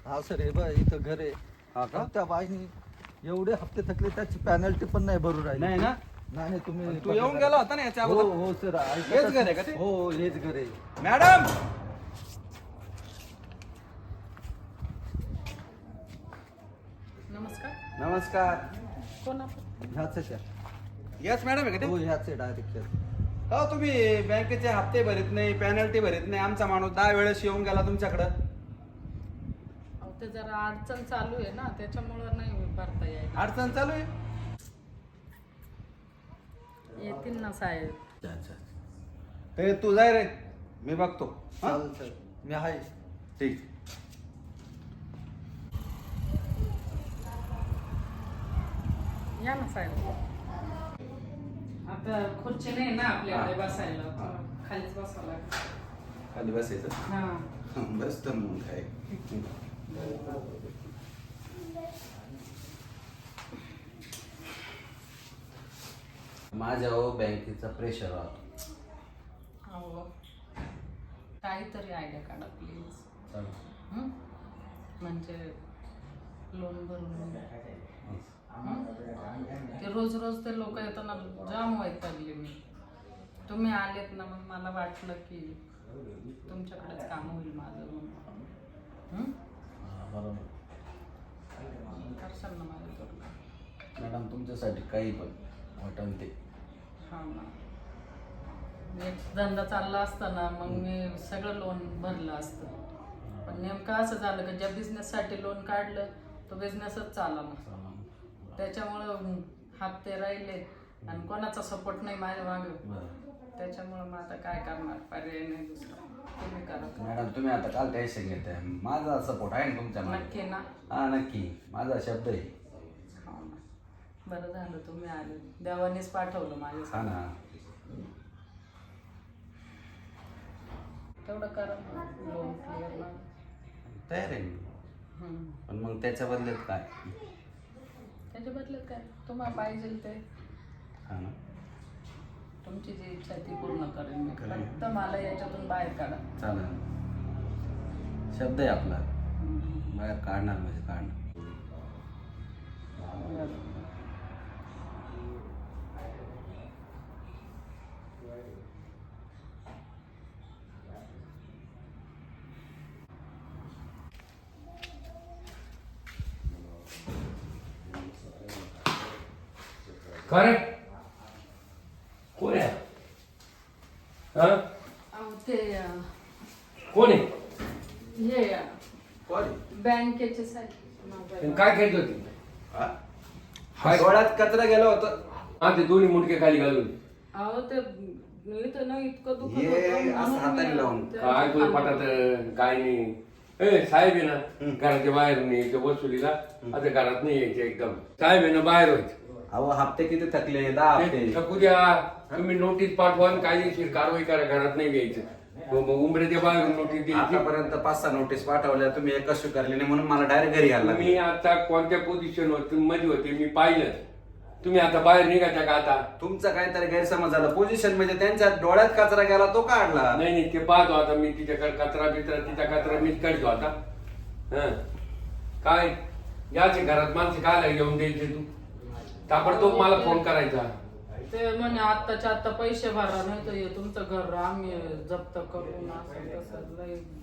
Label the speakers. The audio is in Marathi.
Speaker 1: हा सर, हे बघ इथं घर आहे.
Speaker 2: हा का?
Speaker 1: त्या बाईनी एवढे हप्ते थकले, त्याची पॅनल्टी पण नाही भरू राहिली.
Speaker 2: नाही ना?
Speaker 1: नाही तुम्ही
Speaker 2: तू येऊन गेला होता ना याच्या
Speaker 1: हो
Speaker 2: अगोदर?
Speaker 1: हो सर,
Speaker 2: हेच घर आहे का ते?
Speaker 1: हो हेच घर आहे.
Speaker 2: मॅडम
Speaker 3: नमस्कार.
Speaker 2: नमस्कार.
Speaker 3: कोण आपण?
Speaker 1: ह्याच आहे त्या.
Speaker 2: यस मॅडम आहे का
Speaker 1: हो
Speaker 2: ते?
Speaker 1: ह्याच आहे डायरेक्ट.
Speaker 2: हो, तुम्ही बँकेचे हप्ते भरत नाही, पेनल्टी भरत नाही. आमचा माणूस 10 वेळेस येऊन गेला तुमच्याकडं.
Speaker 3: अहो, ते जरा अडचण चालू आहे ना, त्याच्यामुळं नाही भरता यायला.
Speaker 2: अडचण चालू आहे.
Speaker 3: येतील ना साहेब.
Speaker 2: ते तू जाय रे, मी बघतो. हा?
Speaker 1: चालेल सर, मी आहे.
Speaker 2: ठीक.
Speaker 3: या ना साहेब. आता खुर्ची नाही ना आपल्याकडे बसायला, खालीच बसावं लागतं.
Speaker 2: खाली बसायचं.
Speaker 3: हा.
Speaker 2: बस तर मग काय.
Speaker 4: माझ्या बँकेचा प्रेशर राहतो.
Speaker 3: अहो, काहीतरी आयडिया काढा प्लीज.
Speaker 4: चालेल.
Speaker 3: म्हणजे लोन भरून ते रोज रोज ते लोक येताना जाम वैतागले मी. तुम्ही आलेत ना, मग मला वाटलं की तुमच्याकडेच काम होईल माझं म्हणून.
Speaker 4: बरोबर.
Speaker 3: करशाल ना माझ्याकडून?
Speaker 4: मॅडम तुमच्यासाठी काही पण वाटण ते.
Speaker 3: हा ना. एक धंदा चालला असता ना, मग मी सगळं लोन भरलं असतं. पण नेमकं असं झालं की ज्या बिझनेससाठी लोन काढलं तो बिझनेसच चालला ना. त्याच्यामुळं हप्ते राहिले आणि कोणाचा सपोर्ट नाही माझ्या मागं. त्याच्यामुळं मग आता काय करणार, पर्याय नाही दुसरा. तुम्ही करा.
Speaker 4: मॅडम तुम्ही आता काल टेन्शन घेताय, माझा सपोर्ट आहे ना तुमच्या मागे.
Speaker 3: नक्की ना?
Speaker 4: हा नक्की, माझा शब्द आहे.
Speaker 3: हो ना. बरं झालं तुम्ही आले, देवानेच पाठवलं
Speaker 4: हा
Speaker 3: माझ्या.
Speaker 4: ना.
Speaker 3: तेवढं करा लोन क्लिअर.
Speaker 4: तयार आहे मी. पण मग त्याच्या बदल्यात काय?
Speaker 3: त्याच्या बदल्यात काय तुम्हाला पाहिजे ते.
Speaker 4: हा ना.
Speaker 3: तुमची जी इच्छा ती पूर्ण करेन मी. फक्त मला याच्यातून बाहेर काढा.
Speaker 4: चालेल. शब्द आहे आपला, बाहेर काढणार म्हणजे काढणार.
Speaker 5: काय कोण आहे? हा?
Speaker 3: अहो, ते
Speaker 5: कोण आहे?
Speaker 3: हे
Speaker 2: कोण?
Speaker 3: बँकेचे साहेब.
Speaker 5: आणि काय खेळत होती?
Speaker 2: हा, डोळ्यात कचरा गेला होता.
Speaker 5: हा, ते दोन्ही मुंडके खाली घालून.
Speaker 3: अहो, ते इथं ना इतकं दुखत
Speaker 2: ये,
Speaker 3: होतं
Speaker 2: असं हाताने
Speaker 3: म्हणून
Speaker 2: लावून.
Speaker 3: मी ते
Speaker 5: काय तुला
Speaker 3: खाली-
Speaker 5: पटात काय नाही. ए साहेब आहे ना घराच्या बाहेर नाही यायचं वसुलीला. आता घरात नाही यायचं एकदम. साहेब आहे ना बाहेर व्हायचं.
Speaker 2: अहो, हप्ते किती थकले? 10 हप्ते.
Speaker 5: ते थकू द्या. तुम्ही नोटीस पाठवा आणि कायदेशीर कारवाई करा. घरात नाही यायचं. मग उमरेच्या बाहेरून नोटीस द्यायची.
Speaker 2: आतापर्यंत 5-6 नोटीस पाठवल्या, तुम्ही एकच स्वीकारली नाही म्हणून मला डायरेक्ट घरी यायला
Speaker 5: मी
Speaker 2: लागलं.
Speaker 5: आता कोणत्या पोझिशनवर मध्ये होते मी पाहिलं. तुम्ही आता बाहेर निघायच्या का आता?
Speaker 2: तुमचा काहीतरी गैरसमज झाला. पोझिशन म्हणजे त्यांच्या डोळ्यात कचरा गेला, तो काढला.
Speaker 5: नाही नाही, ते पाहतो आता मी. तिच्याकडे कचरा बिचरा, तिचा कचरा मीच काढतो आता. हं. काय याचे घरात माणसं काय घेऊन द्यायचे तू? ताबडतोब मला फोन करायचा.
Speaker 3: ते म्हणे आत्ताच्या आत्ता पैसे भरा, नाही तर हे तुमचं घर आम्ही जप्त करू ना, असं तसं लय